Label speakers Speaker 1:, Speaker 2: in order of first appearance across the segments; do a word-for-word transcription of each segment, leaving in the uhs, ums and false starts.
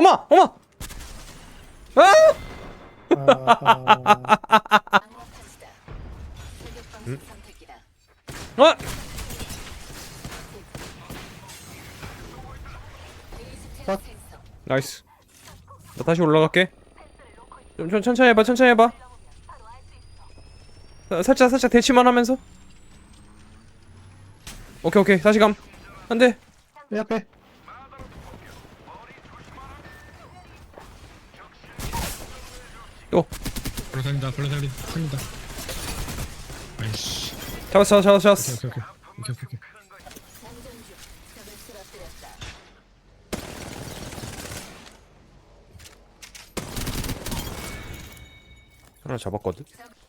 Speaker 1: 엄마! 엄마! 아!
Speaker 2: 아,
Speaker 1: 음? 아!
Speaker 2: 컷.
Speaker 1: 나이스. 나 다시 올라갈게. 좀, 좀 천천히 해봐, 천천히 해봐. 사- 살짝 살짝 대치만 하면서. 오케이 오케이 다시 감. 안돼.
Speaker 2: 내 앞에.
Speaker 1: 또
Speaker 3: 별로 살린다 별로 살린 살린다. 아이씨.
Speaker 1: 잡았어 잡았어 잡았어.
Speaker 3: 오케이 오케이 오케이 오케이 오케이.
Speaker 1: 하나 잡았거든.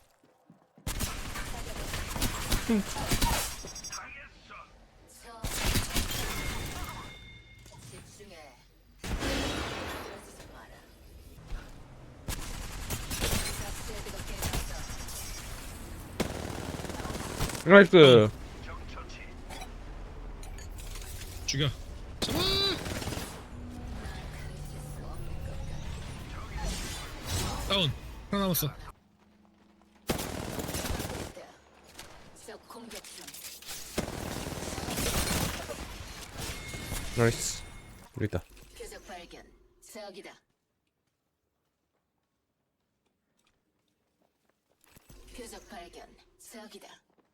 Speaker 1: 음. 나이스.
Speaker 3: 죽여. 잡아. 다운. 하나 남았어.
Speaker 1: 나이스. 우리 있다.
Speaker 4: 표적 발견. 저기다. 표적 발견. 저기다.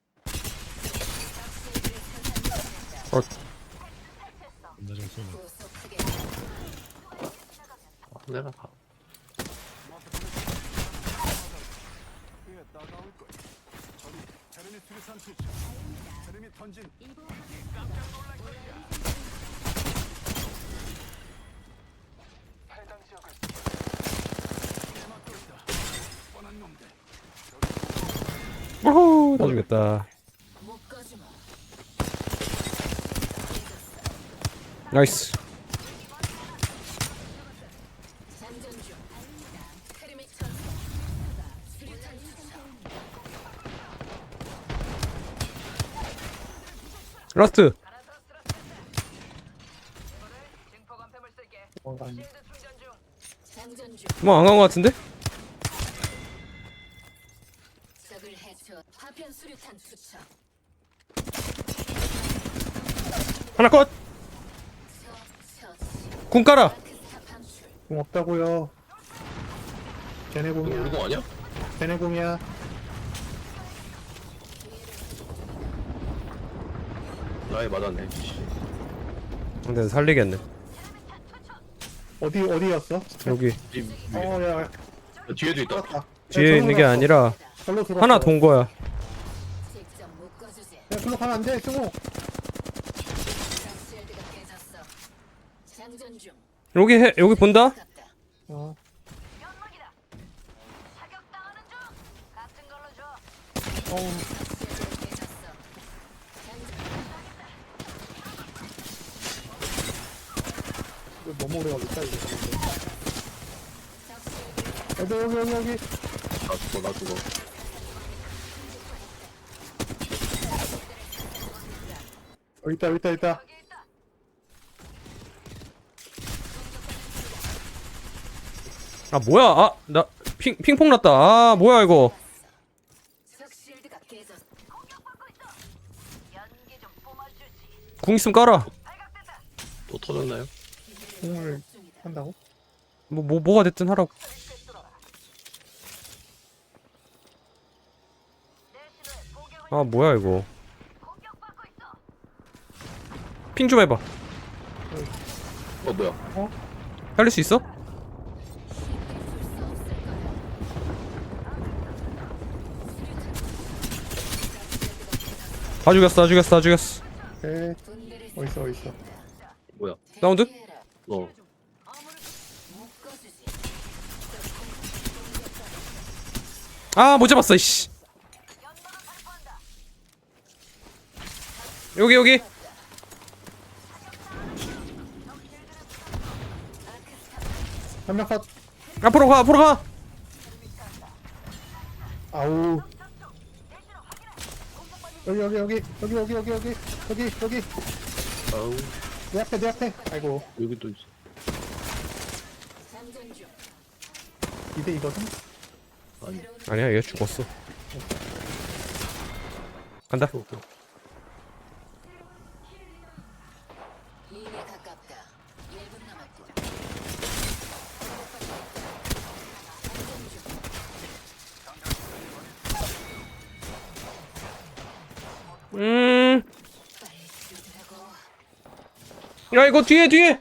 Speaker 1: 어.
Speaker 3: 나좀 쏘네.
Speaker 4: 고속하게
Speaker 2: 내가 가.
Speaker 1: 오호 다 죽였다.
Speaker 4: 못 꺼주마.
Speaker 1: 나이스.
Speaker 4: 장전 중. 크리미 천사. 수류탄 투척.
Speaker 1: 라스트.
Speaker 2: 뭔가 아니.
Speaker 4: 장전 중.
Speaker 1: 뭐 안 간 거 같은데?
Speaker 4: 적을 해쳐. 파편 수류탄 투척.
Speaker 1: 하나 컷.
Speaker 4: 처치.
Speaker 1: 궁 깔아.
Speaker 4: 마크스타 방출.
Speaker 2: 공 없다고요. 걔네
Speaker 5: 이거
Speaker 2: 공이야.
Speaker 5: 우리 공 아니야?
Speaker 2: 걔네 공이야.
Speaker 5: 나에 맞았네. 씨.
Speaker 1: 근데 살리겠네.
Speaker 2: 어디 어디였어?
Speaker 1: 여기
Speaker 5: 이 위에.
Speaker 2: 어, 야, 야.
Speaker 5: 뒤에도 있다.
Speaker 2: 들어갔다.
Speaker 1: 뒤에 있는 게 아니라
Speaker 2: 절로 들어.
Speaker 1: 하나 돈 거야.
Speaker 4: 직접 못 꺼주지.
Speaker 2: 야, 글로 가면 안 돼, 승우.
Speaker 4: 실드가 깨졌어. 장전 중.
Speaker 1: 여기 해 여기 본다.
Speaker 4: 가깝다.
Speaker 2: 어. 어우,
Speaker 4: 실드가 깨졌어.
Speaker 2: 이거 너무 오래 걸렸다 이거. 여기 여기 여기 여기.
Speaker 5: 나 죽어, 나 죽어.
Speaker 2: 여기 있다 여기 있다 여기 있다.
Speaker 1: 아 뭐야? 아 나 핑 핑퐁 났다. 아 뭐야 이거?
Speaker 4: 적 실드가 깨졌어.
Speaker 1: 궁 있으면 깔아.
Speaker 5: 또 터졌나요?
Speaker 2: 공을 한다고?
Speaker 1: 뭐 뭐 뭐가 됐든 하라고. 아 뭐야 이거? 핑 좀 해봐.
Speaker 5: 어, 뭐야?
Speaker 1: 살릴 수 있어? 다 죽였어, 다 죽였어, 다 죽였어.
Speaker 2: 에
Speaker 4: 분들을
Speaker 2: 어딨어 어딨어.
Speaker 5: 뭐야?
Speaker 1: 라운드?
Speaker 4: 해라.
Speaker 5: 어.
Speaker 4: 못 꺼주지.
Speaker 1: 아, 못 잡았어, 이씨. 여기, 여기.
Speaker 2: 한 명 컷.
Speaker 1: 앞으로 가, 앞으로 가.
Speaker 2: 아우. 여기 여기 여기 여기 여기 여기 여기 여기 여기
Speaker 5: 아우,
Speaker 2: 내 앞에 내 앞에. 아이고.
Speaker 5: 여기 또 있어.
Speaker 2: 이 대 이거든?
Speaker 5: 아니
Speaker 1: 아니야 얘 죽었어. 간다.
Speaker 5: 또, 또.
Speaker 4: 링에 가깝다. 일 분 남았고.
Speaker 1: 음.
Speaker 4: 빨리 죽으라고.
Speaker 1: 야 이거 뒤에 뒤에.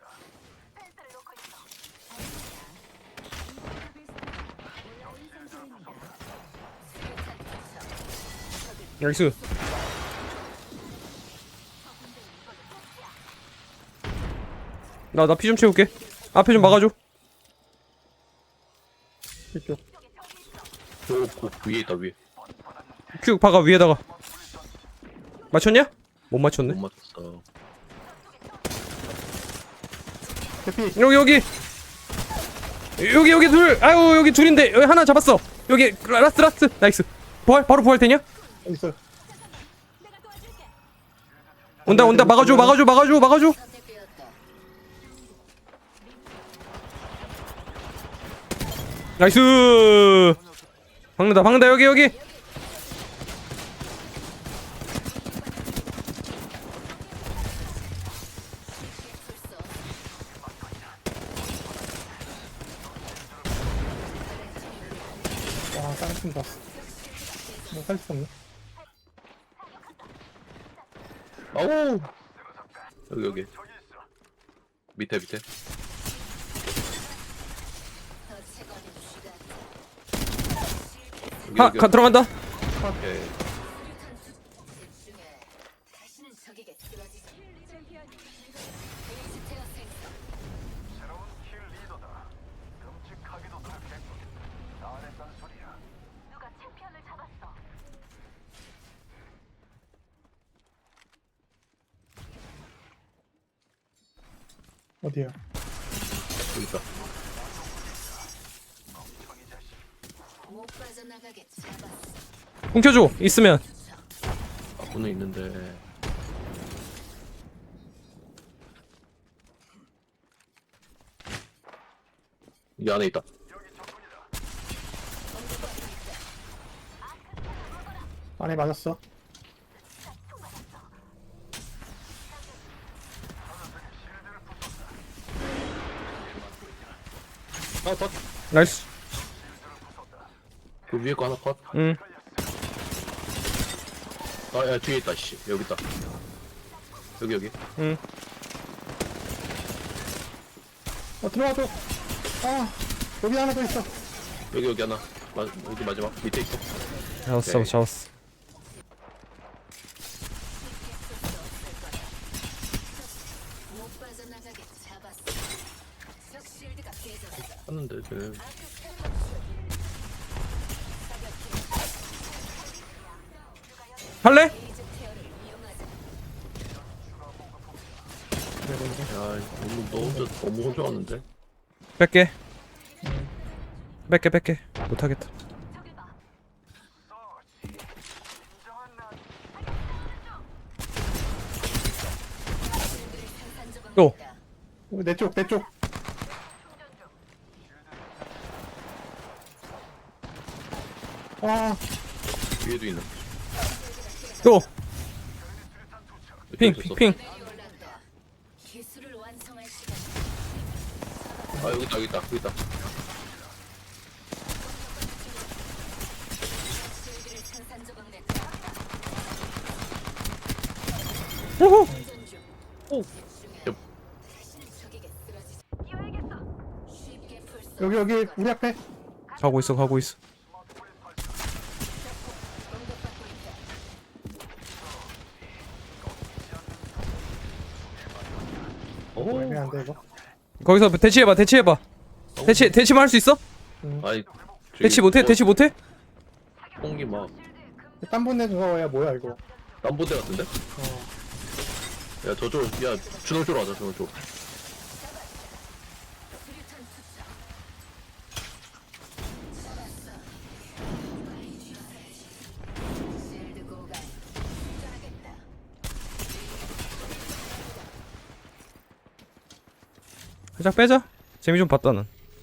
Speaker 1: 나이스. 나 나 피 좀 채울게. 앞에 좀 막아줘.
Speaker 2: 이쪽.
Speaker 5: 저, 그 위에 있다 위에.
Speaker 1: 큐 박아 위에다가. 맞췄냐? 못
Speaker 5: 못
Speaker 1: 맞췄네.
Speaker 5: 맞췄어.
Speaker 2: 대피.
Speaker 1: 여기 여기 여기 여기 둘. 아유 여기 둘인데 여기 하나 잡았어. 여기 라스트 라스트. 나이스. 부활 바로 부활 되냐?
Speaker 2: 있어.
Speaker 1: 온다 온다 막아줘 막아줘 막아줘 막아줘.
Speaker 4: 선택되었다.
Speaker 1: 나이스. 박는다 박는다 여기 여기.
Speaker 2: 와, 쌍팀 봤어. 뭐살수 없네.
Speaker 5: 아우. 여기 여기. 밑에 밑에.
Speaker 4: 더 채권의 시간.
Speaker 5: 여기,
Speaker 1: 하
Speaker 5: 여기,
Speaker 1: 가, 들어간다.
Speaker 5: 오케이.
Speaker 4: 집중해. 다시는 적에게 쓰러지지. 베이스테어 생성.
Speaker 2: 어디야?
Speaker 5: 여기 있다.
Speaker 4: 못 빠져나가게 잡았어.
Speaker 1: 훔쳐줘 있으면.
Speaker 5: 아군은 있는데. 이 안에 있다.
Speaker 2: 안에 맞았어.
Speaker 5: 아, 컷.
Speaker 1: 나이스.
Speaker 5: 그 위에 거 하나 컷.
Speaker 1: 응.
Speaker 5: 아, 야, 뒤에 있다, 씨. 여기 있다. 여기, 여기.
Speaker 1: 응.
Speaker 2: 어, 들어와줘. 아, 여기 하나 더 있어.
Speaker 5: 여기, 여기 하나. 마, 여기 마지막. 밑에 있어.
Speaker 1: 잡았어
Speaker 5: 오케이.
Speaker 1: 잡았어.
Speaker 4: 못 빠져나가게 잡았어. 적 실드가 깨졌어.
Speaker 5: 하는데, 쟤는.
Speaker 1: 할래?
Speaker 4: 베이스테어를 이용하자.
Speaker 5: 야, 너무, 너 혼자 너무 혼자 왔는데?
Speaker 1: 뺄게. 뺄게 뺄게. 못하겠다. 또.
Speaker 2: 어, 내 쪽, 내 쪽. 아,
Speaker 5: 위에도 있는.
Speaker 1: 또.
Speaker 5: 이쪽에
Speaker 1: 핑
Speaker 5: 있었어.
Speaker 1: 핑.
Speaker 4: 올랐다. 기술을 완성할 시간.
Speaker 5: 아, 여기 있다, 여기 있다, 여기 있다.
Speaker 4: 실드를 산산 조각 냈다.
Speaker 1: 호호.
Speaker 4: 전중
Speaker 5: 오.
Speaker 4: 집중해.
Speaker 5: 옆.
Speaker 4: 다시는 적에게 쓰러지지. 쉽게 풀 수.
Speaker 2: 여기, 여기, 우리 앞에.
Speaker 1: 가고 있어 가고 있어.
Speaker 4: 공격받고 있다.
Speaker 5: 오.
Speaker 2: 애매한데, 이거.
Speaker 1: 거기서 대치해봐 대치해봐. 대치 대치만 할 수 있어?
Speaker 5: 아니,
Speaker 1: 대치 못해 대치 못해?
Speaker 5: 홍기 막,
Speaker 2: 딴분 내는 거야, 뭐야, 이거.
Speaker 5: 남부대 같은데?
Speaker 2: 어.
Speaker 5: 야, 저쪽, 야, 준호 쪽으로 가자, 준호 쪽.
Speaker 4: 수류탄 투척. 실드 고갈. 충전하겠다.
Speaker 1: 살짝 빼자. 재미 좀 봤다 난.